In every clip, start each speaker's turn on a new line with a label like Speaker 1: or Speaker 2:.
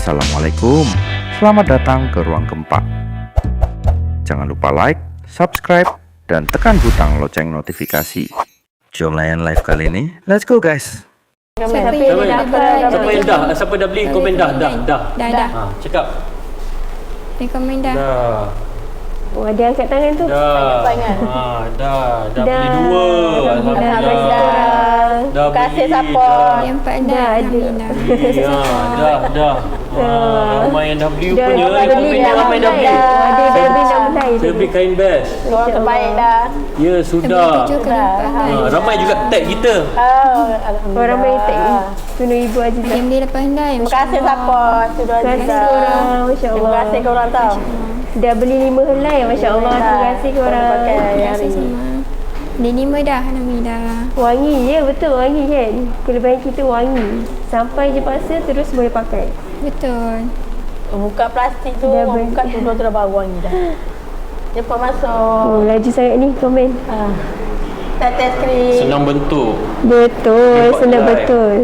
Speaker 1: Assalamualaikum, selamat datang ke Ruang Keempat. Jangan lupa like, subscribe, dan tekan butang lonceng notifikasi. Jom layan live kali ini, let's go guys.
Speaker 2: Siapa dah beli komen dah. Cakap.
Speaker 3: Beli komen dah.
Speaker 2: Dah.
Speaker 4: Wah, dia angkat tangan tu.
Speaker 2: Dah. Dah beli 2. Alhamdulillah. Dah
Speaker 4: Terima kasih
Speaker 2: beli,
Speaker 4: support.
Speaker 3: Yang 4 dah.
Speaker 4: Dah ada.
Speaker 3: Alhamdulillah.
Speaker 2: Dah. Ramai yang dah beli rupanya.
Speaker 4: Ramai dah beli. Ada dah mulai.
Speaker 2: Saya beli kain best.
Speaker 4: Orang terbaik dah.
Speaker 2: Ya, sudah. Ramai juga tag kita.
Speaker 4: Alhamdulillah. Orang ramai tag Tunu Ibu Azizah.
Speaker 3: Yang beli lepas dah.
Speaker 4: Terima kasih support. Terima kasih korang. Masya Allah. Terima kasih korang tau. Dah beli 5 helai. Masya Allah. Terima kasih korang.
Speaker 3: Terima kasih semua. Beli 5 dah. Alhamdulillah.
Speaker 4: Wangi je, betul wangi kan. Kelebihan kita wangi. Sampai je paksa terus boleh pakai.
Speaker 3: Betul.
Speaker 5: Buka plastik tu, buka tu dah bau wangi dah. Cepat masuk.
Speaker 4: Oh, laju sangat ni komen.
Speaker 5: Tetes krim.
Speaker 2: Senang bentuk.
Speaker 4: Betul,
Speaker 2: Nampak
Speaker 4: senang
Speaker 2: live.
Speaker 4: betul.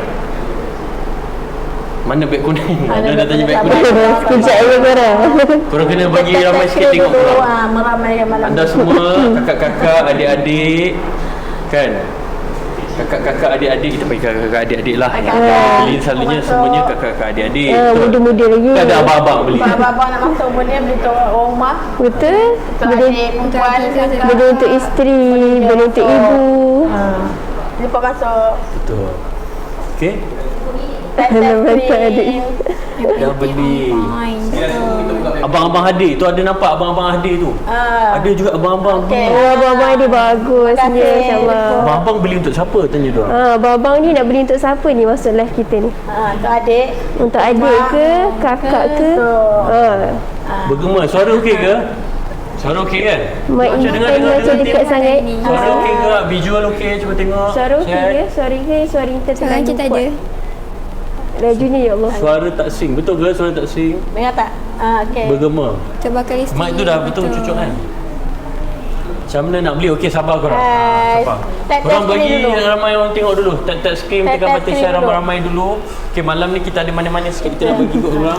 Speaker 2: Mana beg kuning? Ada dah tanya beg kuning.
Speaker 4: Sekejap je korang.
Speaker 2: Korang kena bagi ramai sikit tengok korang.
Speaker 5: Meramaikan malam.
Speaker 2: Anda semua, kakak-kakak, adik-adik, kan? Kakak-kakak, adik-adik, kita bagi kakak-kakak, adik-adik lah. Beli selalunya semuanya kakak-kakak, adik-adik.
Speaker 4: Muda-muda lagi.
Speaker 2: Tak ada abang-abang beli.
Speaker 5: Abang-abang nak masuk pun dia beli tu rumah.
Speaker 4: Betul.
Speaker 5: Untuk adik, perempuan, kakak.
Speaker 4: Benda untuk isteri, benda untuk ibu.
Speaker 5: Cepat masuk.
Speaker 2: Betul. Okey?
Speaker 5: Tetes
Speaker 4: Betul adik.
Speaker 5: krim.
Speaker 2: Dah beli.
Speaker 3: Fine. Betul.
Speaker 2: Abang-abang hadir tu ada nampak abang-abang hadir tu. Ada juga abang-abang beli.
Speaker 4: Oh, abang-abang dia bagus ni, insyaAllah.
Speaker 2: Abang-abang beli untuk siapa tanya dia?
Speaker 4: Abang-abang ni nak beli untuk siapa ni masuk live kita ni?
Speaker 5: Untuk adik.
Speaker 4: Untuk adik ke, kakak ke?
Speaker 2: Bergema, suara okey ke? Suara okey kan?
Speaker 4: Mak
Speaker 2: Macam
Speaker 4: Ibu tanya macam dekat sangat.
Speaker 2: Suara okey ke? Visual okey? Cuba tengok.
Speaker 4: Suara okey ke? Suara ke? Suara Intan
Speaker 3: Sekarang kita ada.
Speaker 4: Lajunya ya Allah.
Speaker 2: Suara tak sing. Betul ke suara tak sing?
Speaker 5: Dengar tak? Okey.
Speaker 2: Bergema.
Speaker 3: Coba kali sikit.
Speaker 2: Mic tu dah betul cucuk kan? Macam mana nak beli? Okey, sabar korang.
Speaker 5: Hai.
Speaker 2: Sabar.
Speaker 5: Tag
Speaker 2: Korang
Speaker 5: screen
Speaker 2: bagi
Speaker 5: dulu.
Speaker 2: ramai orang tengok dulu. Tag screen,
Speaker 5: Tag
Speaker 2: tekan button
Speaker 5: screen
Speaker 2: share
Speaker 5: dulu.
Speaker 2: ramai-ramai dulu. Okey, malam ni kita ada manis-manis sikit. Kita nak bagi kat korang.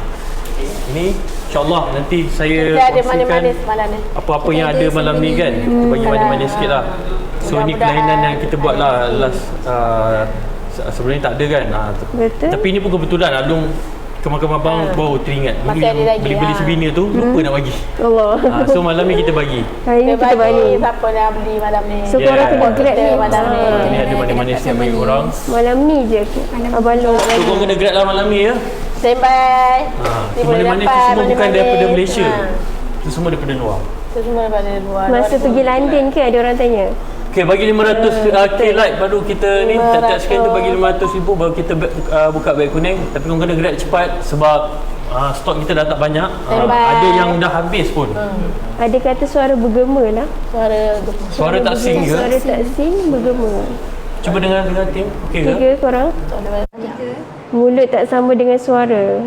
Speaker 2: Ini insyaAllah nanti saya
Speaker 5: Kita ada
Speaker 2: kongsikan
Speaker 5: manis-manis malam ni.
Speaker 2: apa-apa yang ada malam ni kan. Kita bagi manis-manis sikit lah. So ni kelainan yang kita buat lah last sebenarnya tak ada kan.
Speaker 4: Betul.
Speaker 2: Tapi ni pun kebetulan Alung kemar-kemar abang baru teringat. Dulu
Speaker 5: Masih
Speaker 2: yang
Speaker 5: ada lagi,
Speaker 2: beli-beli sebina tu lupa nak bagi.
Speaker 4: Allah.
Speaker 2: So malam ni kita bagi.
Speaker 4: Hari ni
Speaker 5: Kita
Speaker 4: kita
Speaker 5: bagi
Speaker 4: balik.
Speaker 5: siapa yang beli malam ni.
Speaker 4: So korang kena grab ni.
Speaker 5: Malam ni.
Speaker 2: Ni ada manis-manis yang bagi korang.
Speaker 4: Malam ni je Abang Long nak
Speaker 2: So
Speaker 4: bagi.
Speaker 2: korang kena grab lah malam ni ya.
Speaker 5: Standby.
Speaker 2: So manis-manis tu semua bukan daripada Malaysia. Itu semua daripada luar.
Speaker 5: Itu semua daripada luar.
Speaker 4: Masa pergi London ke ada orang tanya?
Speaker 2: Okay, bagi 500k like baru kita ni tak scan tu bagi 500,000 baru kita buka beg kuning. Tapi korang kena grab cepat sebab stok kita dah tak banyak. Ada yang dah habis pun.
Speaker 4: Ada kata suara bergema lah.
Speaker 2: Suara tak sing ke?
Speaker 4: Suara tak sing bergema.
Speaker 2: Cuba dengar tim. Okey ke?
Speaker 4: Tiga korang. Mulut tak sama dengan suara.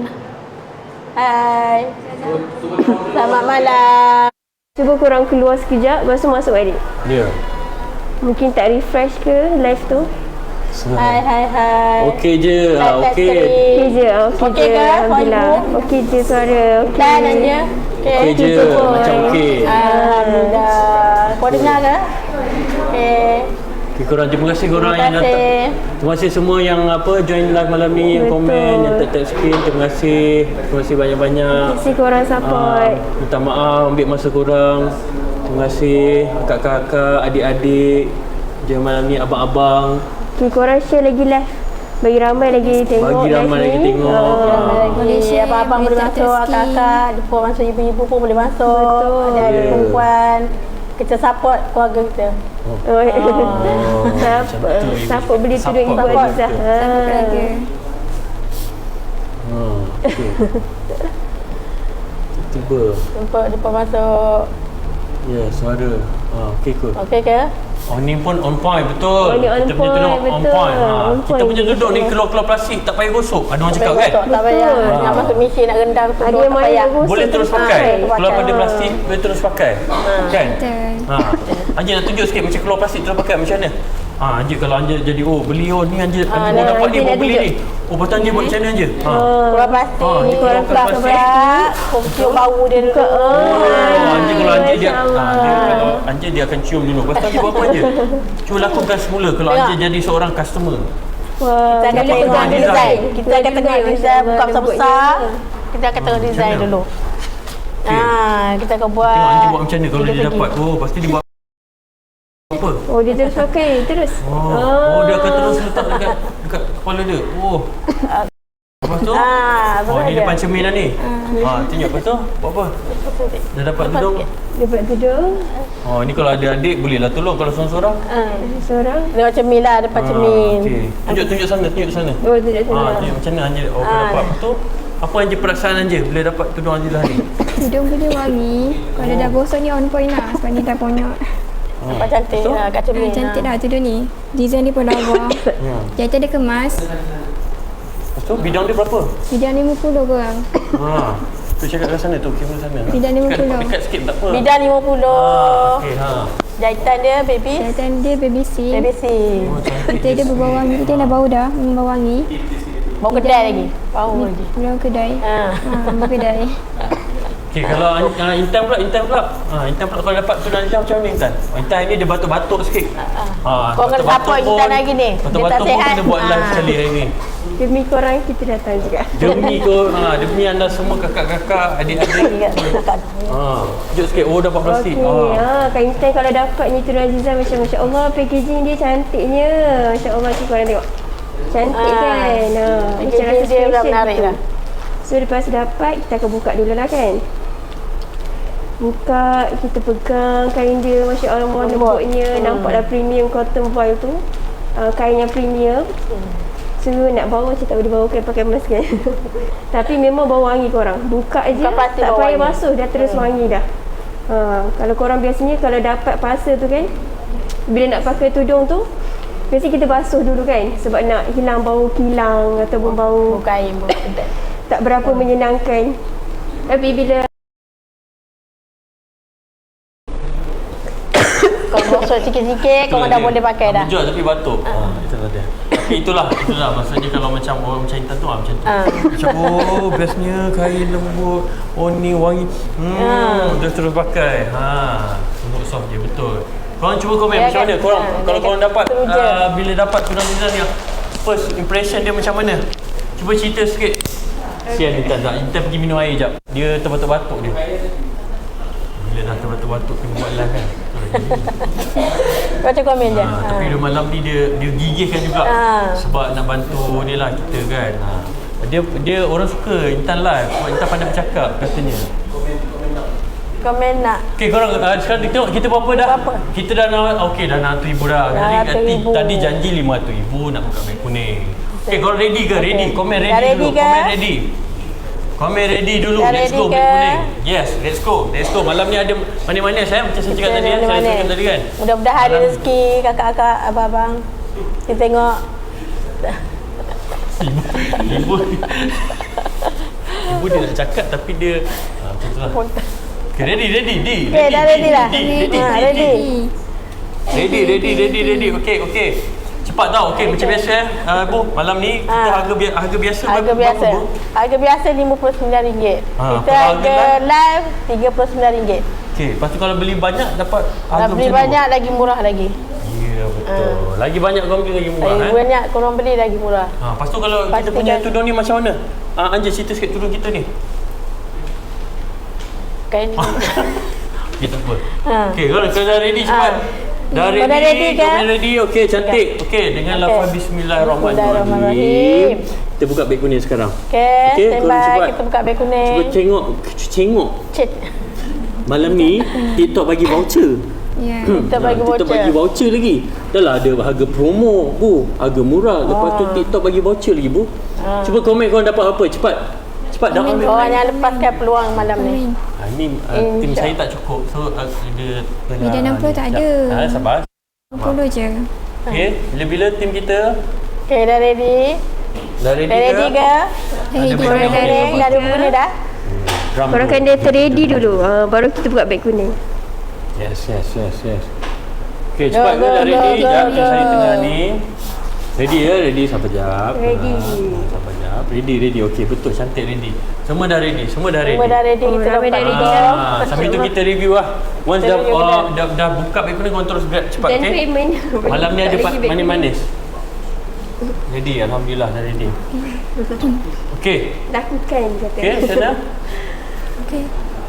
Speaker 5: Hai. Selamat malam.
Speaker 4: Cuba korang keluar sekejap, lepas tu masuk balik.
Speaker 2: Ya.
Speaker 4: Mungkin tak refresh ke live tu?
Speaker 5: Hai.
Speaker 2: Okey je. Okey.
Speaker 4: Okey je,
Speaker 5: Okey ke?
Speaker 4: Alhamdulillah. Okey je suara. Okey.
Speaker 5: Dan aja.
Speaker 2: Okey je. Macam okey.
Speaker 5: Alhamdulillah. Kau dengar ke? Okey.
Speaker 2: Okay, korang terima kasih korang yang
Speaker 5: Terima
Speaker 2: datang.
Speaker 5: kasih.
Speaker 2: Terima kasih semua yang join live malam ni, yang komen, yang tag screen. Terima kasih. Terima kasih banyak-banyak.
Speaker 4: Terima kasih korang support.
Speaker 2: Minta maaf ambil masa korang. Terima kasih kakak-kakak, adik-adik. Jangan malam ni abang-abang.
Speaker 4: Okay, korang share lagi live. Bagi ramai lagi tengok.
Speaker 2: Bagi ramai
Speaker 4: live
Speaker 2: lagi
Speaker 4: ni.
Speaker 2: tengok.
Speaker 5: Boleh share abang-abang boleh masuk, kakak, jumpa masuk ibu-ibu pun boleh masuk.
Speaker 4: Betul.
Speaker 5: Ada
Speaker 2: Yeah.
Speaker 5: perempuan. Kita support keluarga kita.
Speaker 4: Support beli tudung Ibu
Speaker 2: Support
Speaker 4: Azizah.
Speaker 3: Siapa keluarga?
Speaker 2: Okay. Tiba.
Speaker 5: Jumpa masuk.
Speaker 2: Ya, suara. Okey kot.
Speaker 5: Okey ke?
Speaker 2: Oh ni pun on point betul.
Speaker 4: Oh, ni on
Speaker 2: Kita punya
Speaker 4: point,
Speaker 2: tudung on
Speaker 4: betul.
Speaker 2: point.
Speaker 4: On
Speaker 2: Kita
Speaker 4: point.
Speaker 2: punya tudung ni keluar-keluar plastik tak payah gosok. Ada orang cakap kan?
Speaker 5: Tak payah. Nak masuk mesin nak rendam tu.
Speaker 4: Ada yang mana yang gosok
Speaker 2: Boleh terus
Speaker 4: tu
Speaker 2: pakai.
Speaker 5: pakai.
Speaker 2: Keluar pada plastik boleh terus pakai. Kan?
Speaker 3: Betul.
Speaker 2: Haji nak tunjuk sikit macam keluar plastik terus pakai macam mana? Anjir kalau Anjir jadi beli ni Anjir baru dapat ni,
Speaker 4: Anjir
Speaker 2: baru
Speaker 4: nak
Speaker 2: beli
Speaker 4: tunjuk.
Speaker 2: ni. Macam mana Anjir buat macam mana Anjir?
Speaker 5: Keluar plastik.
Speaker 2: Ni
Speaker 5: Keluar
Speaker 2: keluar
Speaker 5: plastik. Cium bau dia dulu.
Speaker 2: Anjir kalau Anjir dia,
Speaker 4: Masya-Allah.
Speaker 2: kalau Anjir dia akan cium dulu. Lepas tu Anjir buat apa Anjir? Cuba lakukan semula kalau Anjir jadi seorang customer.
Speaker 4: Wah,
Speaker 5: Kita akan
Speaker 2: Boleh
Speaker 5: tengok
Speaker 2: tengok
Speaker 5: design. Kita akan tengok
Speaker 4: Masya-Allah,
Speaker 5: design buka
Speaker 4: nampak
Speaker 5: besar-besar.
Speaker 4: dia.
Speaker 5: Kita akan tengok design
Speaker 2: macam mana?
Speaker 5: dulu. Kita akan buat.
Speaker 2: Tengok Anjir buat macam mana kalau dia
Speaker 5: tiga
Speaker 2: dapat.
Speaker 5: segi.
Speaker 2: Pasti dia buat apa?
Speaker 4: Oh, dia terus pakai terus.
Speaker 2: Dia akan terus letak dekat kepala dia. Lepas tu? Ni depan cermin dah ni. Tunjuk lepas tu buat apa? Dah dapat tudung.
Speaker 4: Dapat tudung.
Speaker 2: Ni kalau ada adik bolehlah tolong kalau seorang-seorang.
Speaker 4: Seorang.
Speaker 5: Dia macam cermin lah, depan cermin.
Speaker 2: Okey. Tunjuk sana, tunjuk sana.
Speaker 4: Oh, tidak sana.
Speaker 2: Tunjuk macam mana Anjir dapat. Lepas tu apa Anjir perasaan Anjir bila dapat tudung Anjir lah ni?
Speaker 3: Hidung boleh wangi. Kalau dah gosok ni on point lah. Sebab ni dah bonyok.
Speaker 5: Nampak cantik lah kat cermin.
Speaker 3: Cantik dah tudung ni. Design dia pun lawa. Jahitan dia kemas.
Speaker 2: Lepas tu bidang dia berapa?
Speaker 3: Bidang 50 korang.
Speaker 2: Tu cakap kat sana tu, kamera sana.
Speaker 3: Bidang 50.
Speaker 2: Dekat sikit tak apa.
Speaker 5: Bidang 50.
Speaker 2: Okey,
Speaker 5: Jahitan dia baby.
Speaker 3: Jahitan dia baby C.
Speaker 5: Baby C.
Speaker 3: Kita dia berbau wangi. Dia dah bau dah. Bau wangi.
Speaker 5: Bau kedai lagi. Bau lagi.
Speaker 3: Bau kedai. Bau kedai.
Speaker 2: Okey, kalau Intan pula. Intan pula kalau dapat tudung Intan macam mana Intan? Intan ni dia batuk-batuk sikit.
Speaker 5: Kau kena support Intan lagi ni. Dia tak
Speaker 2: Batuk-batuk pun
Speaker 5: sihat.
Speaker 2: kena buat live sekali hari ni.
Speaker 4: Demi korang kita datang juga.
Speaker 2: Demi anda semua kakak-kakak, adik-adik. Tunjuk sikit. Dapat plastik.
Speaker 4: Okey, Kak Intan kalau dapat ni tudung Azizah macam masya-Allah packaging dia cantiknya. Masya-Allah tu korang tengok. Cantik kan? Macam
Speaker 5: Packaging
Speaker 4: rasa
Speaker 5: dia
Speaker 4: special
Speaker 5: dah menarik
Speaker 4: gitu.
Speaker 5: lah.
Speaker 4: So lepas dapat kita akan buka dulu lah kan. Buka, kita pegang kain dia, masya-Allah lembutnya, nampaklah premium cotton voile tu. Kain yang premium. So nak bawa macam tak boleh bawa kan pakai mask kan. Tapi memang bau wangi korang. Buka je,
Speaker 5: Buka pasti
Speaker 4: tak
Speaker 5: bau
Speaker 4: payah
Speaker 5: wangi.
Speaker 4: basuh dah terus wangi dah. Kalau korang biasanya kalau dapat pasal tu kan, bila nak pakai tudung tu, biasanya kita basuh dulu kan sebab nak hilang bau kilang ataupun bau
Speaker 5: Kain bau kedai.
Speaker 4: tak berapa menyenangkan. Tapi bila
Speaker 5: Kau gosok sikit-sikit, kau dah boleh pakai dah.
Speaker 2: Jual tapi batuk. Itulah dia. Tapi itulah maksudnya kalau macam orang macam Intan tu macam tu. Macam bestnya kain lembut. Ni wangi. Dah terus pakai. Untuk soft je betul. Korang cuba komen macam mana korang kalau korang dapat bila dapat tudung Intan ni first impression dia macam mana? Cuba cerita sikit. Sian Intan tak. Intan pergi minum air jap. Dia terbatuk-batuk dia. Bila dah terbatuk-batuk dia buat live kan.
Speaker 5: Baca komen je.
Speaker 2: Tapi dia malam ni dia gigihkan juga sebab nak bantu dia lah kita kan. Dia orang suka Intan live sebab Intan pandai bercakap katanya.
Speaker 5: Komen nak.
Speaker 2: Okey korang sekarang tengok kita berapa dah? Kita dah nak dah 600,000 dah. Tadi janji 500,000 nak buka beg kuning. Okey korang ready ke? Ready. Komen ready dulu. Komen ready. Komen ready dulu. Let's go beg kuning. Yes, let's go. Let's go. Malam ni ada manis-manis macam saya cakap tadi saya cakap tadi kan.
Speaker 5: Mudah-mudahan ada rezeki kakak-kakak, abang-abang. Kita tengok.
Speaker 2: Ibu dia nak cakap tapi dia macam tu lah. Okay, ready.
Speaker 5: Okay, dah ready dah.
Speaker 2: Ready. Okay. Cepat tau. Okay, macam biasa Bu, malam ni kita harga biasa
Speaker 5: Harga biasa.
Speaker 2: berapa, Bu?
Speaker 5: Harga biasa RM59. Kita
Speaker 2: kalau
Speaker 5: harga live RM39.
Speaker 2: Okay, lepas tu kalau beli banyak dapat harga
Speaker 5: Beli
Speaker 2: macam
Speaker 5: banyak lagi murah lagi.
Speaker 2: Ya, betul. Lagi banyak korang beli lagi murah
Speaker 5: Lagi banyak korang beli lagi murah.
Speaker 2: Lepas tu kalau kita
Speaker 5: Pastikan.
Speaker 2: punya tudung ni macam mana? Anjir cerita sikit tudung kita ni.
Speaker 5: Kain.
Speaker 2: Okay, tak apa. Okay, korang dah ready cepat. Dah
Speaker 5: Kau dah ready ke?
Speaker 2: Kau ready? Okay, cantik. Okay, dengan lafaz Bismillahirrahmanirrahim. Kita buka beg kuning sekarang.
Speaker 5: Okay,
Speaker 2: korang
Speaker 5: standby.
Speaker 2: cepat.
Speaker 5: Kita buka beg kuning.
Speaker 2: Cuba tengok.
Speaker 5: Cik.
Speaker 2: Malam ni TikTok bagi voucher.
Speaker 3: Ya.
Speaker 5: Kita bagi
Speaker 2: TikTok
Speaker 5: voucher.
Speaker 2: bagi voucher lagi. Dah lah ada harga promo, Bu. Harga murah. Lepas tu TikTok bagi voucher lagi, Bu. Cuba komen korang dapat apa. Cepat dah ambil.
Speaker 5: Korang jangan lepaskan peluang malam ni.
Speaker 2: Ni tim saya tak cukup. So dia tengah
Speaker 3: Bidang 60 tak ada.
Speaker 2: Sabar.
Speaker 3: 60 je.
Speaker 2: Okay, bila tim kita
Speaker 5: Okay, dah ready?
Speaker 2: dah ready
Speaker 5: Dah ready
Speaker 2: ke?
Speaker 5: ke?
Speaker 3: Ready.
Speaker 5: Korang dah ready? Dah ada guna dah?
Speaker 2: Drum
Speaker 4: korang
Speaker 2: dulu.
Speaker 4: kena terready dulu. Baru kita buka beg kuning.
Speaker 2: Yes. Okay, cepat
Speaker 5: Go,
Speaker 2: ke dah
Speaker 5: go,
Speaker 2: ready?
Speaker 5: go,
Speaker 2: Sekejap,
Speaker 5: go.
Speaker 2: saya tengah ni. Ready ya? Ready, sabar jap.
Speaker 4: Ready.
Speaker 2: Sabar jap. Ready. Okey, betul, cantik ready. Semua dah ready.
Speaker 5: Semua dah ready.
Speaker 4: Oh,
Speaker 5: Kita
Speaker 4: ramai
Speaker 5: dapat
Speaker 4: dah ready.
Speaker 2: Sambil tu kita review lah. Once
Speaker 5: Kita
Speaker 2: dah,
Speaker 5: review
Speaker 2: dah buka beg kuning, korang terus grab cepat,
Speaker 4: Dan
Speaker 2: okay?
Speaker 4: payment.
Speaker 2: Malam ni ada
Speaker 4: Tak lagi beg
Speaker 2: manis-manis. Ready, Alhamdulillah dah ready. Okey.
Speaker 4: Lakukan kata.
Speaker 2: Okey, macam mana?
Speaker 3: Okey.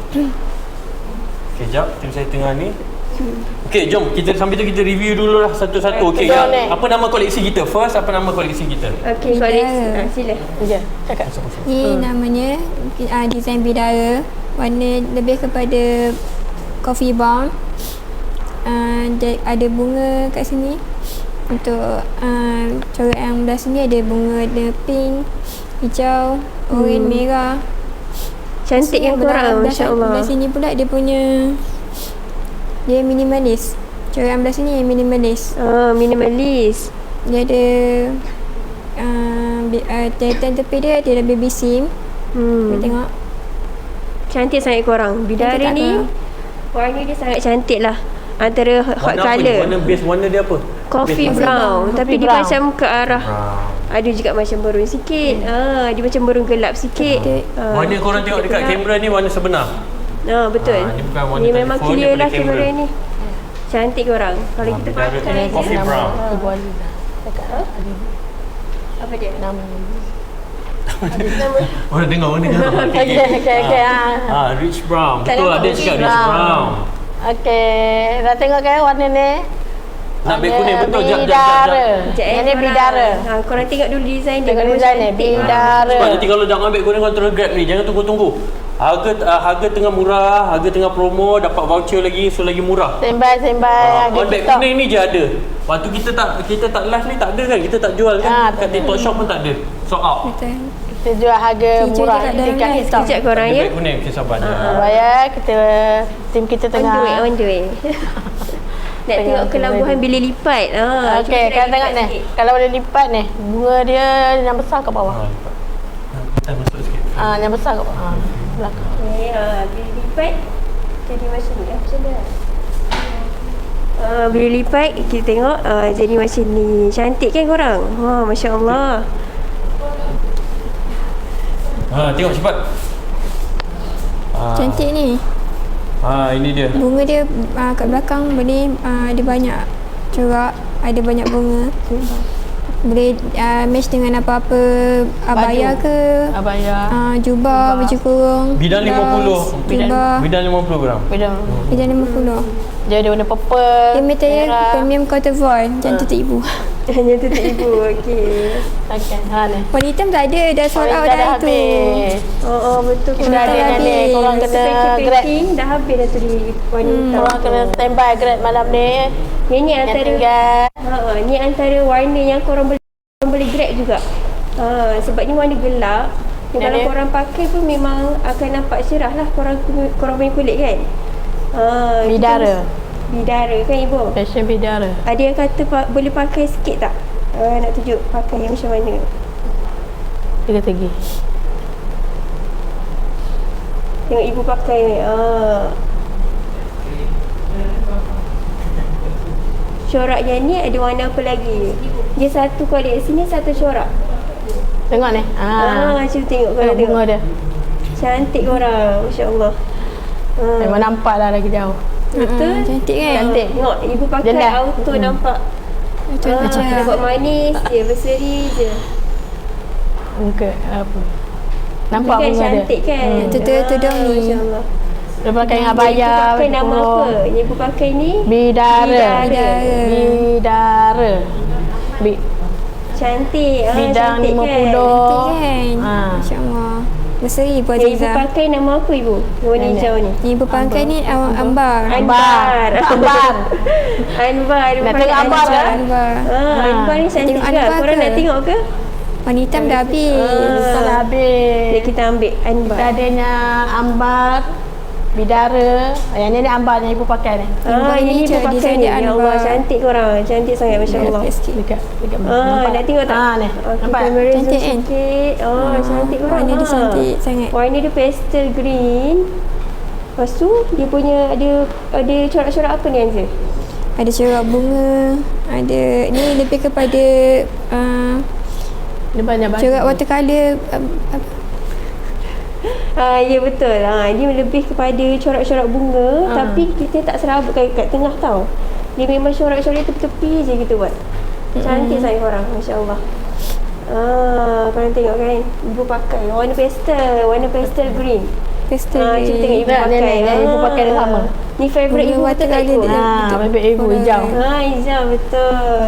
Speaker 2: Okey, jap. Tim saya tengah ni. Okey, jom. Kita sambil tu kita review dulu lah satu-satu. Okey,
Speaker 5: Jom, ni.
Speaker 2: apa nama koleksi kita? First, apa nama koleksi kita?
Speaker 4: Okey, koleksi. Sila.
Speaker 5: Ya, cakap.
Speaker 3: Ni namanya design bidara. Warna lebih kepada coffee brown. Ada bunga kat sini. Untuk corak yang belah sini ada bunga, ada pink, hijau, oranye, merah.
Speaker 4: Cantik yang korang, masya-Allah.
Speaker 3: Belah sini pula dia punya, dia minimalis. Corak yang belah sini yang minimalis.
Speaker 4: Minimalis.
Speaker 3: Dia ada titan tepi dia ada baby sim. Boleh tengok.
Speaker 4: Cantik sangat korang. Bidara
Speaker 3: Cantik tak
Speaker 4: ni
Speaker 3: korang?
Speaker 4: warna dia sangat cantik lah. Antara hot
Speaker 2: Warna apa ni?
Speaker 4: colour.
Speaker 2: Warna dia apa?
Speaker 4: Coffee
Speaker 2: Base
Speaker 4: brown. Tapi dia
Speaker 5: brown.
Speaker 4: macam ke arah
Speaker 2: brown.
Speaker 4: ada juga macam berun sikit. Dia macam berun gelap sikit.
Speaker 2: Warna korang tengok dekat kamera ni warna sebenar.
Speaker 4: Betul.
Speaker 2: Ni bukan warna
Speaker 4: Ni memang
Speaker 2: telefon,
Speaker 4: clear
Speaker 2: daripada
Speaker 4: lah kamera
Speaker 2: kamera
Speaker 4: ni. Cantik korang. Kalau kita
Speaker 2: bidara
Speaker 4: pakai
Speaker 2: tu coffee brown.
Speaker 5: Ibu Ali. Cakap.
Speaker 4: apa dia?
Speaker 5: Nama.
Speaker 2: Orang tengok.
Speaker 5: Okey.
Speaker 2: Rich brown.
Speaker 4: Tak
Speaker 2: Betul,
Speaker 4: nampak
Speaker 2: ada
Speaker 4: rich
Speaker 2: cakap rich
Speaker 5: brown.
Speaker 2: brown.
Speaker 5: Okey, dah tengok kan warna ni?
Speaker 2: Nak beg kuning betul. Jap.
Speaker 5: Bidara.
Speaker 4: Sekejap,
Speaker 5: Yang ni
Speaker 4: korang.
Speaker 5: bidara.
Speaker 4: Korang tengok dulu design dia.
Speaker 5: Tengok
Speaker 4: Memang
Speaker 5: design ni,
Speaker 4: cantik.
Speaker 5: bidara.
Speaker 2: Sebab nanti kalau dah ambil kuning, korang terus grab ni. Jangan tunggu-tunggu. Harga tengah murah, harga tengah promo, dapat voucher lagi, so lagi murah.
Speaker 5: Sembai harga
Speaker 2: On beg
Speaker 5: TikTok.
Speaker 2: kuning ni je ada. Waktu kita tak live ni tak ada kan? Kita tak jual kan? Kat TikTok shop pun tak ada. Sold out.
Speaker 3: Betul.
Speaker 5: Kita jual harga
Speaker 3: Kita
Speaker 5: murah
Speaker 3: jual kat
Speaker 5: dekat
Speaker 3: dalam
Speaker 5: TikTok.
Speaker 4: Sekejap korang
Speaker 2: Ada
Speaker 4: ya.
Speaker 2: beg kuning, okay, sabar je.
Speaker 5: Bayar kita tim kita
Speaker 4: On
Speaker 5: tengah.
Speaker 4: the way. Nak tengok kelambuhan bila lipat.
Speaker 5: Okey, kan tengok ni. Kalau boleh lipat ni, bunga dia yang besar kat bawah.
Speaker 2: Kita masuk sikit.
Speaker 5: Yang besar kat bawah. Belakang.
Speaker 4: Bila lipat jadi macam ni. Macam mana? Bila lipat kita tengok jadi macam ni. Cantik kan korang? Masya Allah.
Speaker 2: Tengok cepat.
Speaker 3: Cantik ni.
Speaker 2: Ini dia.
Speaker 3: Bunga dia kat belakang boleh ada banyak corak, ada banyak bunga. Boleh match dengan apa-apa abaya ke,
Speaker 5: Abaya.
Speaker 3: jubah, baju kurung.
Speaker 2: Bidang 50.
Speaker 3: Jubah.
Speaker 2: Bidang 50 gram.
Speaker 5: Bidang.
Speaker 3: Bidang 50.
Speaker 5: Dia ada warna purple.
Speaker 3: Dia material premium cotton voile. Jangan tutup ibu.
Speaker 4: Hanya tutup ibu. Okey.
Speaker 5: Okey, ni.
Speaker 3: Warna hitam tak ada, dah sold out dah itu.
Speaker 5: habis.
Speaker 4: Betul.
Speaker 5: Kita ada yang ni. Korang kena grab.
Speaker 4: Dah habis dah tu di wanita.
Speaker 5: Korang kena standby grab malam ni.
Speaker 4: Yang ni
Speaker 5: Yang
Speaker 4: antara
Speaker 5: tinggal.
Speaker 4: ni antara warna yang korang boleh grab juga. Sebab ni warna gelap. Ni
Speaker 5: Yang
Speaker 4: kalau
Speaker 5: ni?
Speaker 4: korang pakai pun memang akan nampak cerah lah korang punya kulit kan.
Speaker 5: Bidara.
Speaker 4: Bidara kan ibu?
Speaker 5: Fashion bidara.
Speaker 4: Ada yang kata boleh pakai sikit tak? Nak tunjuk pakai yang macam mana?
Speaker 5: Tiga-tiga.
Speaker 4: Tengok ibu pakai ni. Corak yang ni ada warna apa lagi? Dia satu koleksi ni satu corak.
Speaker 5: Tengok ni.
Speaker 4: Cuba tengok korang
Speaker 5: Tengok bunga dia.
Speaker 4: Cantik korang, Masya-Allah.
Speaker 5: Memang nampak lah lagi jauh.
Speaker 4: Betul?
Speaker 3: Cantik kan?
Speaker 5: Cantik.
Speaker 4: Tengok ibu pakai
Speaker 5: Jelas.
Speaker 4: auto nampak.
Speaker 3: Macam
Speaker 4: Dia buat manis je, berseri je.
Speaker 5: Muka apa. Nampak
Speaker 4: Kan
Speaker 5: bunga dia.
Speaker 4: cantik kan?
Speaker 3: Tudung ni.
Speaker 4: Masya-Allah.
Speaker 5: Dia pakai dengan
Speaker 4: Ibu
Speaker 5: abaya.
Speaker 4: pakai nama apa? Yang ibu pakai ni?
Speaker 5: Bidara.
Speaker 3: Bidara.
Speaker 4: Cantik.
Speaker 5: Bidang
Speaker 4: Cantik
Speaker 5: 50.
Speaker 3: Cantik kan?
Speaker 5: Ah.
Speaker 3: Masya Allah. Berseri pun
Speaker 4: Yang ibu
Speaker 3: Aziza.
Speaker 4: pakai nama apa ibu? Warna hijau ni.
Speaker 3: Yang ibu pakai ni ambar.
Speaker 5: Ambar.
Speaker 4: Anbar. Ibu
Speaker 5: Nak
Speaker 4: pakai
Speaker 5: tengok Ambar ke?
Speaker 3: Ambar.
Speaker 4: Anbar ni cantik
Speaker 3: Tengok
Speaker 4: juga.
Speaker 3: Anbar
Speaker 4: Korang
Speaker 3: ke?
Speaker 4: nak tengok ke?
Speaker 3: Warna hitam dah habis.
Speaker 5: Kita dah habis.
Speaker 4: Jadi kita ambil Anbar.
Speaker 5: Kita adanya ambar, bidara. Yang ni ambar yang ibu pakai ni.
Speaker 4: Ini ibu
Speaker 3: Cara
Speaker 4: pakai
Speaker 3: design
Speaker 4: ni.
Speaker 3: dia
Speaker 4: Ya Allah,
Speaker 3: Anbar.
Speaker 4: cantik korang. Cantik sangat, Masya-Allah.
Speaker 5: Dekat
Speaker 4: Nak tengok tak?
Speaker 5: Ni. Nampak?
Speaker 4: Kamera zoom
Speaker 3: Cantik kan?
Speaker 4: sikit. Cantik korang.
Speaker 3: Warna dia cantik sangat.
Speaker 4: Warna dia pastel green. Lepas tu dia punya ada corak-corak apa ni Anza?
Speaker 3: ada corak bunga, ada ni lebih kepada
Speaker 5: Dia banyak baju.
Speaker 3: corak watercolour
Speaker 4: Ya betul. Dia lebih kepada corak-corak bunga tapi kita tak serabut kat tengah tau. Dia memang corak-corak tepi-tepi je kita buat. Cantik sangat korang, masya-Allah. Korang tengok kan, ibu pakai warna pastel green.
Speaker 3: pastel
Speaker 4: Cuba tengok ibu
Speaker 5: Nah,
Speaker 4: pakai.
Speaker 5: ibu pakai dia sama.
Speaker 4: Ni favourite ibu betul tak ibu?
Speaker 5: Baby ibu hijau.
Speaker 4: Hijau betul.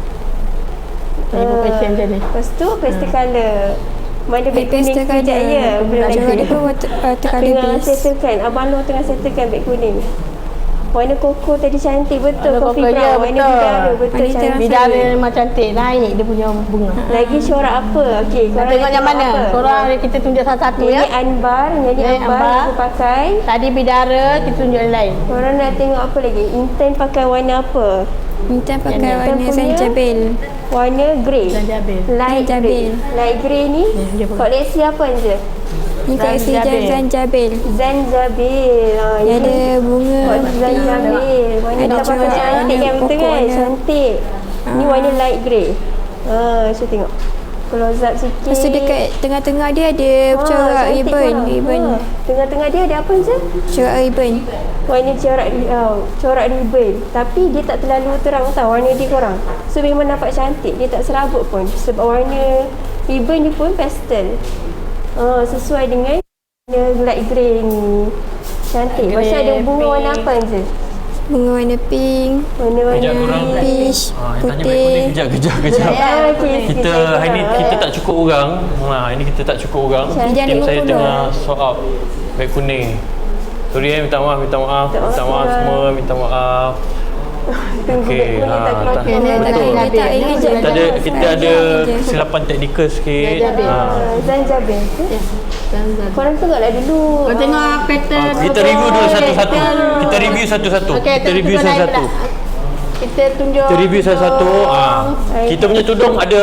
Speaker 5: Ibu fashion macam ni.
Speaker 4: Lepas tu pastel colour. Mana beg kuning
Speaker 3: pastel
Speaker 4: sekejap
Speaker 3: colour.
Speaker 4: je. Belum
Speaker 3: Corak
Speaker 4: lagi.
Speaker 3: dia pun watercolour
Speaker 4: Tengah
Speaker 3: base.
Speaker 4: settlekan. Abang Nur tengah settlekan beg kuning. Warna koko tadi cantik betul.
Speaker 5: Warna
Speaker 4: Coffee
Speaker 5: koko, ya,
Speaker 4: brown. Warna
Speaker 5: betul.
Speaker 4: bidara betul
Speaker 3: Wanita
Speaker 4: cantik.
Speaker 5: Bidara memang cantik. Naik dia punya bunga.
Speaker 4: Lagi corak apa? Okey, korang
Speaker 5: Tengok
Speaker 4: nak
Speaker 5: yang mana?
Speaker 4: apa?
Speaker 5: Korang kita tunjuk satu-satu
Speaker 4: Ini
Speaker 5: ya.
Speaker 4: anbar,
Speaker 5: Ni
Speaker 4: yang anbar
Speaker 5: anbar.
Speaker 4: aku pakai.
Speaker 5: Tadi bidara, kita tunjuk yang lain.
Speaker 4: Korang nak tengok apa lagi? Intan pakai warna apa?
Speaker 3: Intan pakai
Speaker 4: Intan
Speaker 3: warna
Speaker 4: punya
Speaker 3: zanjabil.
Speaker 4: Warna grey.
Speaker 5: Zanjabil.
Speaker 4: Light grey.
Speaker 3: Zanjabil.
Speaker 4: Light grey ni
Speaker 5: dia pakai.
Speaker 4: koleksi apa je?
Speaker 3: Ni koleksi
Speaker 5: Zanjabil.
Speaker 3: zanjabil.
Speaker 4: Zanjabil.
Speaker 3: Yang ada bunga
Speaker 4: Zanjabil. Warna
Speaker 3: Ada
Speaker 4: tak pakai
Speaker 3: corak
Speaker 4: cantik
Speaker 3: warna
Speaker 4: kan, betul kan?
Speaker 3: pokoknya.
Speaker 4: Cantik. Ni warna light grey. Cuba tengok. Close up sikit.
Speaker 3: Lepas tu dekat tengah-tengah dia ada corak
Speaker 4: cantik
Speaker 3: ribbon.
Speaker 4: korang.
Speaker 3: Ribbon.
Speaker 4: Tengah-tengah dia ada apa je?
Speaker 3: Corak ribbon.
Speaker 4: Warna corak ribbon. Tapi dia tak terlalu terang tau warna dia korang. So memang nampak cantik. Dia tak serabut pun. Sebab warna ribbon ni pun pastel. Sesuai dengan warna light grey ni. Cantik. Lepas tu ada bunga warna apa je?
Speaker 3: Bunga warna pink,
Speaker 2: Kejap korang.
Speaker 3: peach,
Speaker 2: Tanya beg kuning
Speaker 3: putih.
Speaker 2: kejap.
Speaker 4: Okey,
Speaker 2: Kita hari ni kita tak cukup orang. Hari ni kita tak cukup orang.
Speaker 3: Dia
Speaker 2: Tim saya
Speaker 3: 50.
Speaker 2: tengah sort out beg kuning. Sorry minta maaf semua, minta maaf.
Speaker 4: Tunggu beg kuning tak keluar.
Speaker 2: tak-
Speaker 3: Dia tak
Speaker 2: betul.
Speaker 3: dia tak ingat je.
Speaker 2: Kita ada kesilapan teknikal sikit.
Speaker 4: Zanjabil. Korang tengoklah dulu.
Speaker 5: Kau tengok pattern.
Speaker 2: Kita review dulu satu-satu. Kita review satu-satu. Kita review satu-satu.
Speaker 5: Kita tunjuk.
Speaker 2: Kita review satu-satu. Kita punya tudung ada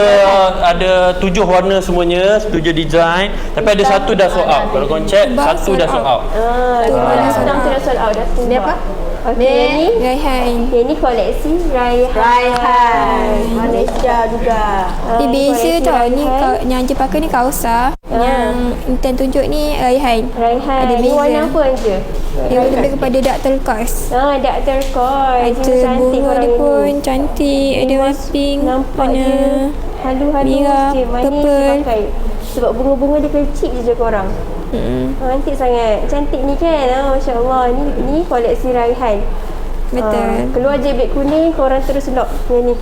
Speaker 2: 7 warna semuanya, 7 design. Tapi ada satu dah sold out. Kalau korang check, satu dah sold out.
Speaker 4: Sedang tidak sold out dah.
Speaker 5: Ni apa?
Speaker 4: Okey,
Speaker 5: Ni
Speaker 4: yang ni.
Speaker 3: Raihan.
Speaker 4: Yang ni koleksi
Speaker 5: Raihan. Malaysia juga.
Speaker 3: Dia beza tau. Ni yang je pakai ni kausa. Yang Intan tunjuk ni Raihan.
Speaker 4: Raihan.
Speaker 3: Ada
Speaker 4: Ni
Speaker 3: beza.
Speaker 4: warna apa je?
Speaker 3: Dia lebih kepada dark turquoise.
Speaker 4: Dark turquoise.
Speaker 3: Ada bunga dia pun cantik. Ada warna pink,
Speaker 4: nampak
Speaker 3: warna
Speaker 4: je halu-halu
Speaker 3: merah,
Speaker 4: je. Manis
Speaker 3: purple.
Speaker 4: dia pakai. Sebab bunga-bunga dia kecil je korang. Cantik sangat. Cantik ni kan. Masya Allah. Ni koleksi Raihan.
Speaker 3: betul.
Speaker 4: Keluar je beg kuning, korang terus lock yang ni.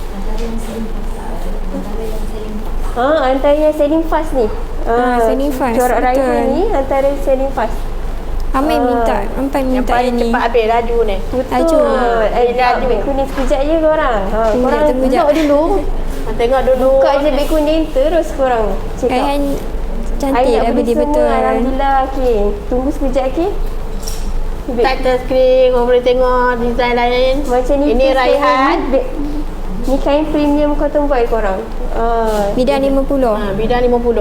Speaker 4: Antara yang selling fast ni.
Speaker 3: selling fast,
Speaker 4: Corak
Speaker 3: betul.
Speaker 4: Raihan ni antara selling fast.
Speaker 3: Amai minta
Speaker 5: Yang
Speaker 3: yang
Speaker 5: paling
Speaker 3: ni.
Speaker 5: cepat habis laju ni.
Speaker 4: Betul. Laju beg kuning sekejap je korang. Korang
Speaker 3: tunggu jap.
Speaker 4: lock dulu.
Speaker 5: Tengok dulu.
Speaker 4: Buka je beg kuning terus korang check out.
Speaker 3: Raihan cantik
Speaker 4: I nak
Speaker 3: dah
Speaker 4: beli
Speaker 3: beli
Speaker 4: semua,
Speaker 3: betul.
Speaker 4: Alhamdulillah. Okay. Tunggu sekejap, okay?
Speaker 5: Title screen, kau boleh tengok design lain.
Speaker 4: Macam ni.
Speaker 5: Ini
Speaker 4: first
Speaker 5: Raihan.
Speaker 4: Ni kain premium cotton voile korang.
Speaker 3: Bidang 50.
Speaker 5: Bidang 50.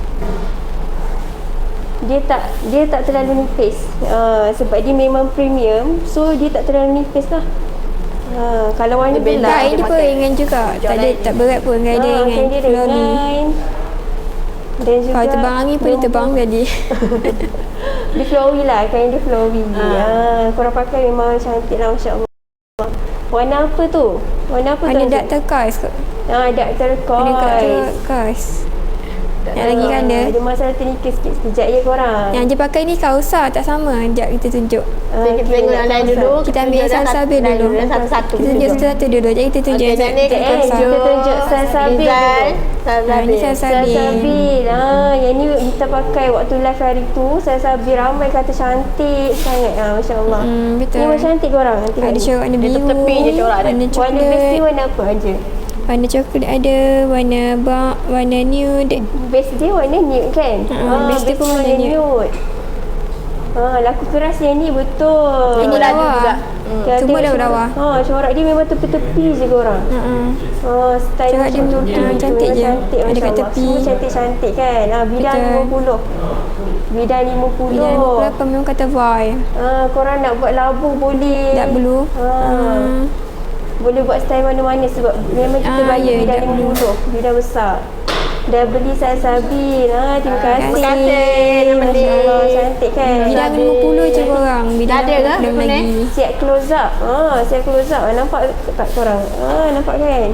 Speaker 4: Dia tak terlalu nipis. Sebab dia memang premium. So, dia tak terlalu nipis lah. Kalau warna
Speaker 5: Dia bela.
Speaker 4: gelap.
Speaker 3: Kain dia pun ringan juga. Tak berat pun. Kain dia
Speaker 4: kain
Speaker 3: ringan.
Speaker 4: dia
Speaker 3: Flowy.
Speaker 4: ringan. Dan juga
Speaker 3: Kalau terbang angin pun dia terbang tadi.
Speaker 4: dia flowy lah. Kain dia flowy. Korang pakai memang cantik lah, Masya Allah. Warna apa tu? Warna apa tu?
Speaker 3: Warna dark turquoise kot.
Speaker 4: Dark
Speaker 3: Warna
Speaker 4: turquoise.
Speaker 3: turquoise. Yang lagi kanda.
Speaker 4: Ada masalah teknikal sikit. Sekejap je korang.
Speaker 3: Yang je pakai ni kausa tak sama. Sekejap kita tunjuk.
Speaker 5: Kita tengok yang lain dulu.
Speaker 3: Kita ambil yang sasabil dulu.
Speaker 5: Satu-satu.
Speaker 3: Kita tunjuk satu-satu dulu. Jadi kita tunjuk
Speaker 5: Okey,
Speaker 3: yang
Speaker 5: jadi
Speaker 3: dark
Speaker 5: kita
Speaker 3: kausa.
Speaker 4: Kita tunjuk salsabil
Speaker 5: design.
Speaker 4: dulu.
Speaker 3: Ni salsabil.
Speaker 4: Salsabil. Yang ni kita pakai waktu live hari tu. Salsabil ramai kata cantik sangat. Masya Allah.
Speaker 3: Betul.
Speaker 4: Ni macam cantik korang.
Speaker 3: Ada corak warna
Speaker 5: Dia
Speaker 3: biru.
Speaker 5: tepi je corak dia.
Speaker 3: Warna
Speaker 4: Warna base ni
Speaker 3: coklat.
Speaker 4: warna apa aja?
Speaker 3: Warna coklat ada. Warna warna nude.
Speaker 4: Base dia warna nude kan?
Speaker 3: base dia pun warna nude.
Speaker 4: Laku keras yang ni betul.
Speaker 3: Ini
Speaker 5: laju
Speaker 3: lawa.
Speaker 5: juga.
Speaker 3: Semua lawa.
Speaker 4: Corak dia memang tepi-tepi je korang. Style
Speaker 3: Corak dia
Speaker 4: macam tu.
Speaker 3: cantik je.
Speaker 4: Cantik
Speaker 3: Ada kat
Speaker 4: Masya Allah.
Speaker 3: tepi.
Speaker 4: Semua cantik-cantik kan. Bidang
Speaker 3: Betul.
Speaker 4: 50. Bidang 50.
Speaker 3: Bidang 50 memang kata boy.
Speaker 4: Korang nak buat labu boleh.
Speaker 3: Tak perlu.
Speaker 4: Boleh buat style mana-mana sebab memang kita bagi
Speaker 3: ya,
Speaker 4: bidang
Speaker 3: tak perlu.
Speaker 4: 50. Bidang besar. Dah beli Sabil. Terima kasih.
Speaker 5: Terima kasih,
Speaker 4: Masya Allah, cantik kan.
Speaker 3: Bidang 50 je korang. Bidang
Speaker 5: Ada ke?
Speaker 3: belum
Speaker 5: Apa ni?
Speaker 3: lagi.
Speaker 4: Siap close up. Siap close up. Nampak tak korang? Nampak kan?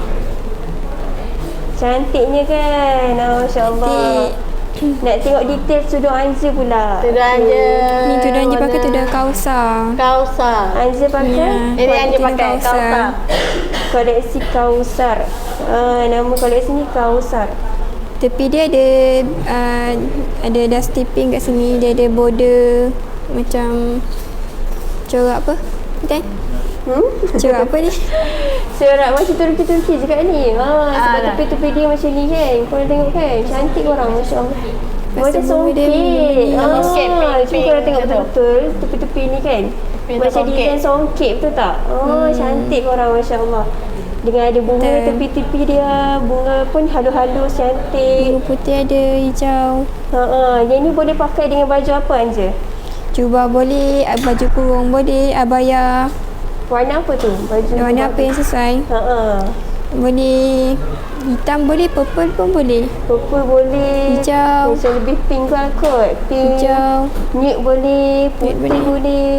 Speaker 4: Cantiknya kan? Masya Allah. Nak tengok detail tudung Anja pula.
Speaker 5: Tudung Anja.
Speaker 3: Ni tudung Anja pakai tudung Kausar.
Speaker 5: Kausar.
Speaker 4: Anja pakai?
Speaker 3: Ya.
Speaker 5: Ini Anja
Speaker 3: Tudung
Speaker 5: pakai Kausar.
Speaker 4: Koleksi Kausar. Nama koleksi ni Kausar.
Speaker 3: Tepi dia ada dusty pink kat sini. Dia ada border macam corak apa? Kan? Corak apa ni?
Speaker 4: Corak macam Turki-Turki je kat ni. Sebab tepi-tepi dia macam ni kan. Korang tengok kan? Cantik korang, Masya Allah. Macam
Speaker 3: bunga dia
Speaker 4: songkit.
Speaker 5: songkit,
Speaker 4: Cuba
Speaker 5: pink,
Speaker 4: korang tengok
Speaker 5: betul.
Speaker 4: betul-betul tepi-tepi ni kan.
Speaker 5: Tepi
Speaker 4: Macam
Speaker 5: songkit.
Speaker 4: design songkit, betul tak? Cantik korang, Masya Allah. Dengan ada bunga
Speaker 3: Betul.
Speaker 4: tepi-tepi dia. Bunga pun halus-halus, cantik.
Speaker 3: Bunga putih ada, hijau.
Speaker 4: Yang ni boleh pakai dengan baju apa Anja?
Speaker 3: Jubah boleh, baju kurung boleh, abaya.
Speaker 4: Warna apa tu? Baju
Speaker 3: Warna apa yang sesuai. Boleh hitam boleh, purple pun boleh.
Speaker 4: Purple boleh.
Speaker 3: Hijau.
Speaker 4: Macam lebih pink lah kot. Pink.
Speaker 3: Hijau.
Speaker 4: Nude boleh. Putih
Speaker 3: Nude
Speaker 4: boleh.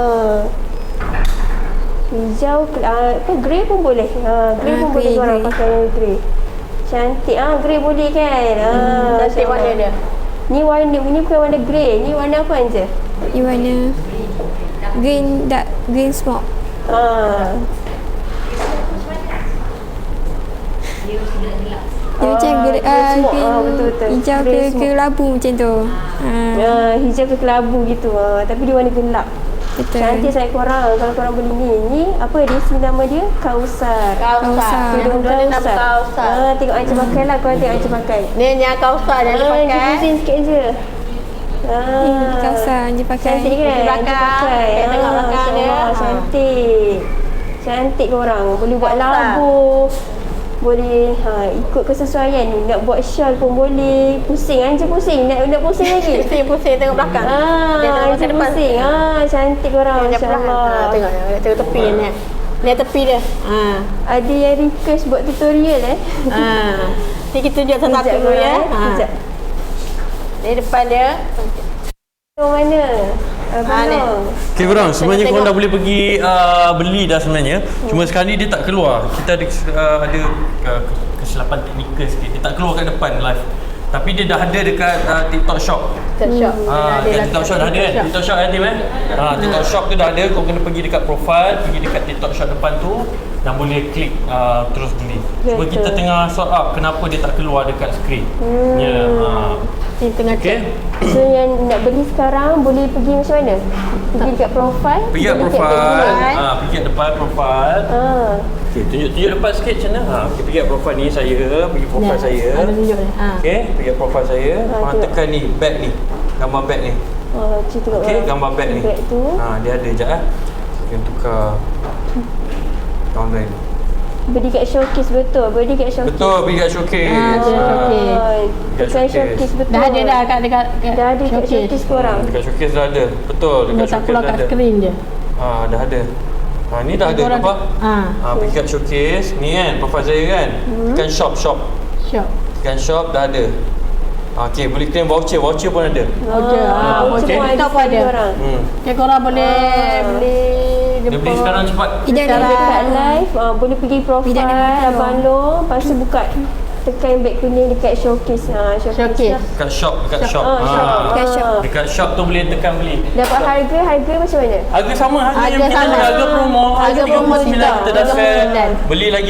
Speaker 4: Hijau. Grey pun boleh. Grey pun boleh
Speaker 3: grey,
Speaker 4: korang
Speaker 3: grey.
Speaker 4: pakai yang grey. Cantik. Grey boleh kan?
Speaker 5: Cantik
Speaker 4: Masya
Speaker 5: warna
Speaker 4: Allah.
Speaker 5: dia.
Speaker 4: Ni bukan warna grey. Ni warna apa Anja?
Speaker 3: Ni warna green, dark green smoke. Dia macam
Speaker 4: green smoke. Betul-betul.
Speaker 3: hijau
Speaker 4: Grey
Speaker 3: ke
Speaker 4: smoke.
Speaker 3: labu macam tu.
Speaker 4: Hijau ke kelabu gitu. Tapi dia warna gelap.
Speaker 3: Betul.
Speaker 4: Cantik sangat korang kalau korang beli ni. Ni apa dia? Nama dia Kausar.
Speaker 5: Kausar.
Speaker 3: Kausar.
Speaker 4: Tudung
Speaker 5: Dia nama
Speaker 4: Kausar.
Speaker 5: Kausar.
Speaker 4: Tengok Anja pakai lah. Korang tengok Anja pakai.
Speaker 5: Ni yang Kausar yang dia pakai.
Speaker 4: Zoom sikit je.
Speaker 3: Kausar je pakai.
Speaker 4: Cantik kan?
Speaker 5: Di belakang.
Speaker 4: Anja pakai.
Speaker 5: Kita tengok belakang dia.
Speaker 4: Cantik. Cantik korang. Boleh buat
Speaker 5: Kausar.
Speaker 4: labu. Boleh ikut kesesuaian. Nak buat shawl pun boleh. Pusing. Anja pusing. Nak pusing lagi.
Speaker 5: Pusing tengok belakang. Dia tengok
Speaker 4: Anja
Speaker 5: ke depan.
Speaker 4: pusing. Cantik korang.
Speaker 5: Dia
Speaker 4: Masya
Speaker 5: belakang.
Speaker 4: Allah.
Speaker 5: Tengok tepi ni. Ni tepi dia.
Speaker 4: Ada yang request buat tutorial
Speaker 5: Ni kita tunjuk satu-satu dulu ya.
Speaker 4: Sekejap.
Speaker 5: Ni depan dia.
Speaker 4: Mana? Abang.
Speaker 2: Okay korang, sebenarnya
Speaker 5: Tengok.
Speaker 2: korang dah boleh pergi beli dah sebenarnya. Cuma sekarang ni dia tak keluar. Kita ada kesilapan teknikal sikit. Dia tak keluar kat depan live. Tapi dia dah ada dekat TikTok Shop.
Speaker 5: TikTok Shop.
Speaker 2: Dekat TikTok Shop dah ada kan? TikTok Shop kan Tim TikTok Shop tu dah ada. Kau kena pergi dekat profile, pergi dekat TikTok Shop depan tu dan boleh klik terus beli. Cuma
Speaker 4: Betul.
Speaker 2: kita tengah sort out kenapa dia tak keluar dekat skrin. Ya.
Speaker 5: Ni tengah
Speaker 2: Okay.
Speaker 5: cek.
Speaker 4: So yang nak beli sekarang boleh pergi macam mana? Pergi dekat profile.
Speaker 2: Pergi kat
Speaker 4: dekat
Speaker 2: profile. Pergi kat depan profile.
Speaker 4: Ah.
Speaker 2: Okay, tunjuk depan sikit macam mana. Okay, pergi kat profile ni saya, pergi profile saya.
Speaker 5: Ada tunjuk ni.
Speaker 2: Okay, pergi kat profile saya. Korang
Speaker 4: tengok.
Speaker 2: tekan ni, bag ni. Gambar bag ni.
Speaker 4: Cik tengok
Speaker 2: Okay, gambar bag ni.
Speaker 4: Bag tu.
Speaker 2: Dia ada sekejap Kita tukar online.
Speaker 4: Beli kat showcase betul. Beli kat showcase.
Speaker 2: Betul, pergi kat showcase.
Speaker 5: showcase.
Speaker 2: Dekat
Speaker 4: Tekan
Speaker 2: showcase.
Speaker 4: showcase betul.
Speaker 5: Dah ada dah kat dekat
Speaker 4: Dah ada kat showcase korang.
Speaker 2: Dekat showcase dah ada. Betul, dekat
Speaker 5: Dia tak
Speaker 2: showcase
Speaker 5: keluar
Speaker 2: dah
Speaker 5: kat
Speaker 2: ada.
Speaker 5: skrin je.
Speaker 2: Dah ada. Ni dah ada
Speaker 5: Korang-
Speaker 2: nampak? Pergi kat showcase. Ni kan, profile saya kan. Tekan shop.
Speaker 5: Shop.
Speaker 2: Tekan shop dah ada. Okay, boleh claim voucher. Voucher pun ada.
Speaker 5: Voucher.
Speaker 2: okay.
Speaker 5: TikTok pun ada.
Speaker 4: Korang.
Speaker 5: Okay, korang boleh beli
Speaker 2: Dia beli sekarang cepat.
Speaker 3: Tidak
Speaker 4: Kalau
Speaker 3: ada.
Speaker 4: dekat live, boleh pergi profile
Speaker 3: Bidang dengan
Speaker 4: Abang Long. Lepas tu buka tekan beg kuning dekat showcase.
Speaker 5: Showcase.
Speaker 4: Lah.
Speaker 2: Dekat shop. Dekat shop.
Speaker 3: Dekat shop.
Speaker 2: Dekat shop tu boleh tekan beli.
Speaker 4: Dapat harga macam mana?
Speaker 2: Harga sama, harga
Speaker 5: Harga
Speaker 2: yang kita
Speaker 5: sama.
Speaker 2: ada, harga promo.
Speaker 5: Harga promo
Speaker 2: RM39
Speaker 5: TikTok.
Speaker 2: kita dah sell.
Speaker 5: RM39.
Speaker 2: Beli lagi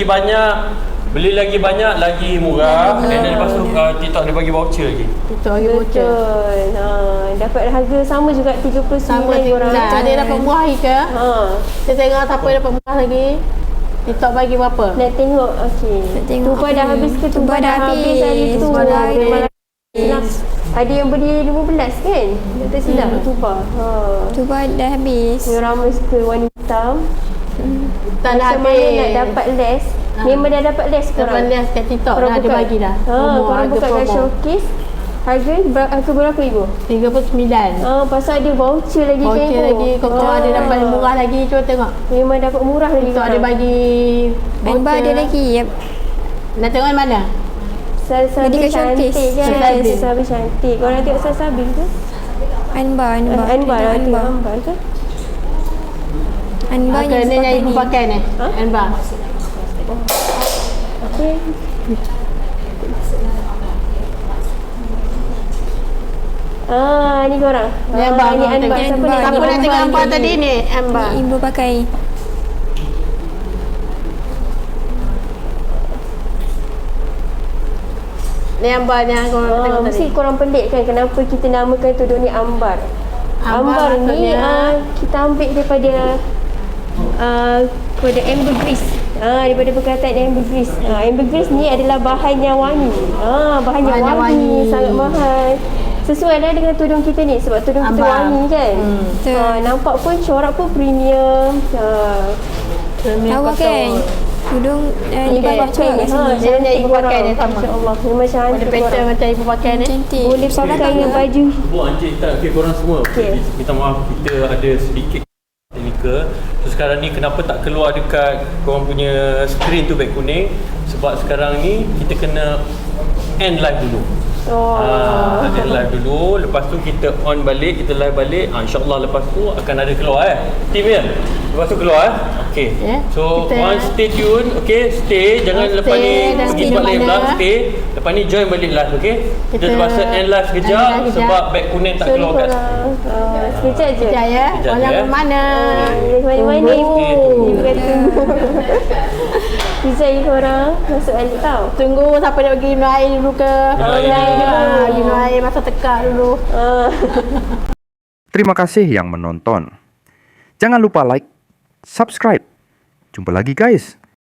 Speaker 2: banyak, lagi murah. Dan lepas tu TikTok dia bagi voucher lagi.
Speaker 5: TikTok lagi voucher.
Speaker 4: Betul. Dapat harga sama juga 39
Speaker 5: Sama
Speaker 4: korang.
Speaker 5: tinggal. Ada yang dapat murah lagi ke? Kita tengok siapa yang dapat murah lagi. TikTok bagi berapa?
Speaker 4: Nak tengok, okey.
Speaker 3: Nak tengok
Speaker 4: Tumpah
Speaker 3: apa
Speaker 4: dah
Speaker 3: ni?
Speaker 4: habis ke?
Speaker 3: Tumpah dah habis.
Speaker 4: hari tu.
Speaker 3: Tumpah dah habis.
Speaker 4: Ada yang beli 15 kan? Tak silap tuba.
Speaker 3: Tuba dah habis.
Speaker 4: Yang ramai suka warna hitam.
Speaker 5: Tak nak
Speaker 4: Macam mana
Speaker 5: habis.
Speaker 4: nak dapat les? Memang dah dapat les
Speaker 5: Dapat
Speaker 4: korang?
Speaker 5: lihat kat TikTok
Speaker 4: Korang
Speaker 5: dah ada
Speaker 4: buka-
Speaker 5: bagi dah.
Speaker 4: korang buka kat showcase. Harga berapa ibu?
Speaker 5: 39.
Speaker 4: Pasal ada voucher lagi kan
Speaker 5: Voucher
Speaker 4: ibu?
Speaker 5: lagi, kau ada dapat murah lagi, cuba tengok.
Speaker 4: Memang dapat murah lagi
Speaker 5: TikTok ada
Speaker 4: korang.
Speaker 5: bagi
Speaker 3: Anbar ada lagi. Yep.
Speaker 5: Nak tengok yang mana?
Speaker 4: Sabi
Speaker 3: Medical
Speaker 4: cantik
Speaker 3: showcase.
Speaker 4: kan?
Speaker 5: Sabi.
Speaker 4: Sabi cantik. Korang tengok Sabi ke?
Speaker 3: Anbar.
Speaker 4: Anbar lah tu. Anbar ke?
Speaker 3: Anbar
Speaker 5: Kena yang ibu pakai ni. Anbar.
Speaker 4: Okey. Ni korang.
Speaker 5: Ni Anbar.
Speaker 4: Ni Anbar.
Speaker 3: tengok.
Speaker 4: Siapa ni?
Speaker 3: Anbar.
Speaker 5: Siapa nak tengok
Speaker 3: Anbar
Speaker 5: Anbar
Speaker 3: ni.
Speaker 5: tadi ni? Anbar.
Speaker 3: Ibu pakai.
Speaker 5: Ni Anbar yang korang tengok tadi.
Speaker 4: Mesti korang pelik kan kenapa kita namakan tudung ni Ambar. Ambar ni
Speaker 5: maksudnya-
Speaker 4: kita ambil daripada kode ambergris. Daripada perkataan ambergris. Ambergris ni adalah bahan yang wangi. Bahan yang
Speaker 5: Bahan yang
Speaker 4: wangi,
Speaker 5: wangi.
Speaker 4: sangat mahal. Sesuai lah dengan tudung kita ni sebab tudung kita
Speaker 5: Ambar.
Speaker 4: wangi kan.
Speaker 3: Betul.
Speaker 4: Nampak pun corak pun premium.
Speaker 3: Lawa kan? Tudung di bawah tu kat sini.
Speaker 5: Dia punya ibu pakai dia sama.
Speaker 4: Masya-Allah. Memang
Speaker 5: Ada
Speaker 4: cantik
Speaker 5: pattern
Speaker 4: korang.
Speaker 5: macam ibu pakai ni.
Speaker 3: Cantik.
Speaker 4: Boleh pakai dengan baju.
Speaker 2: Bu Encik tak, okay, korang semua.
Speaker 4: Okey.
Speaker 2: Minta maaf, kita ada sedikit teknikal. So sekarang ni kenapa tak keluar dekat korang punya screen tu beg kuning? Sebab sekarang ni kita kena end live dulu. End live dulu. Lepas tu kita on balik, kita live balik. InsyaAllah lepas tu akan ada keluar Team ya? Lepas tu keluar Okay.
Speaker 5: Ya,
Speaker 2: So
Speaker 5: kita-
Speaker 2: on stay tune. Okay, stay. Jangan
Speaker 5: Stay
Speaker 2: lepas ni
Speaker 5: dan
Speaker 2: pergi
Speaker 5: stay
Speaker 2: tempat
Speaker 5: di
Speaker 2: lain
Speaker 5: mana.
Speaker 2: pula. Stay. Lepas ni join balik live. Okay. Kita
Speaker 5: Kita
Speaker 2: terpaksa end live sekejap
Speaker 5: end live sekejap.
Speaker 2: sebab beg kuning tak
Speaker 4: Sorry
Speaker 2: keluar kat
Speaker 4: korang. Sekejap je.
Speaker 5: Sekejap ya.
Speaker 2: Sekejap
Speaker 5: Orang
Speaker 2: je,
Speaker 5: mana?
Speaker 4: Mana ibu?
Speaker 2: Tunggu.
Speaker 4: Ibu kata Sekejap je korang masuk balik tau.
Speaker 5: Tunggu siapa nak pergi minum air dulu ke? Minum air masa tekak dulu.
Speaker 1: Terima kasih yang menonton. Jangan lupa like, subscribe. Jumpa lagi guys.